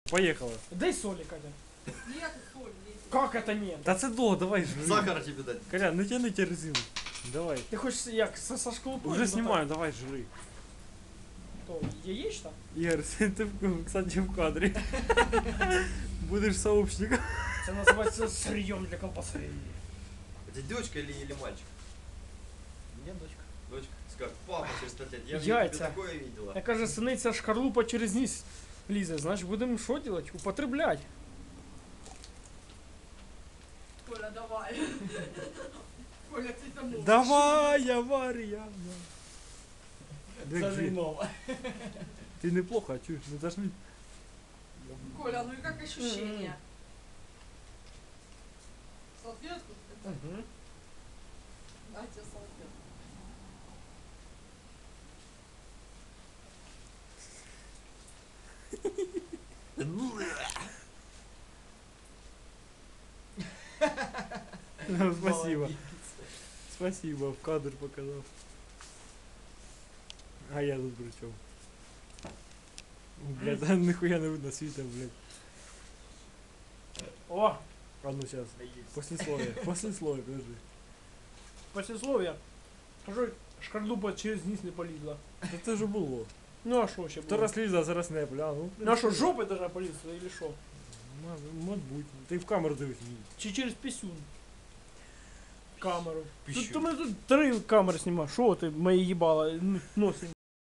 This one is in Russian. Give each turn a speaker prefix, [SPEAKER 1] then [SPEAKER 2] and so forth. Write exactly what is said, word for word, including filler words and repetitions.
[SPEAKER 1] Поехала.
[SPEAKER 2] Дай соли, Катя.
[SPEAKER 3] Нет, соль есть.
[SPEAKER 2] Как это нет?
[SPEAKER 1] Та це до, давай жри.
[SPEAKER 4] Сахара тебе дать.
[SPEAKER 1] Колян, не тяни резину. Давай.
[SPEAKER 2] Ты хочешь як со, со школупой?
[SPEAKER 1] Уже снимаю, давай жри.
[SPEAKER 2] То, яєчна?
[SPEAKER 1] Игорь, ты, в- кстати, в кадре. Будешь сообщником.
[SPEAKER 2] Це називається сырьем для колбасы.
[SPEAKER 4] Это девочка или, или мальчик?
[SPEAKER 2] Є дочка.
[SPEAKER 4] Дочка. Как папа через пять лет. Я в
[SPEAKER 2] Яйца.
[SPEAKER 4] Ютубе такое видела.
[SPEAKER 2] Я каже, синиця шкарлупа через низ лізе. Значить, будемо що делать? Употреблять.
[SPEAKER 3] Коля, давай. Коля, ты там можешь.
[SPEAKER 1] Давай, авария.
[SPEAKER 2] Це нове.
[SPEAKER 1] Ты неплохо, а чё, не зажми.
[SPEAKER 3] Коля, ну и как ощущения? Салфетку?
[SPEAKER 2] Угу.
[SPEAKER 3] Дайте салфетку.
[SPEAKER 1] Спасибо. Спасибо, в кадр показал. А я тут при чем? Блядь, да нихуя не видно света, блядь.
[SPEAKER 2] О,
[SPEAKER 1] А ну сейчас. Послесловие. Послесловие, подожди.
[SPEAKER 2] послесловие. Кажу, шкарлупа через низ не полізла.
[SPEAKER 1] Да это же было.
[SPEAKER 2] Ну а що ще
[SPEAKER 1] То
[SPEAKER 2] було?
[SPEAKER 1] раз ліза, зараз не бля. Ну,
[SPEAKER 2] Ну а що, жопи должна полізти, или що?
[SPEAKER 1] Мабуть. Ти в камеру дивись.
[SPEAKER 2] Чи через пісюн? Камеру.
[SPEAKER 4] Пісюн.
[SPEAKER 2] Тут, то ми тут три камери знімаємо. Що ти, мої їбала, носим?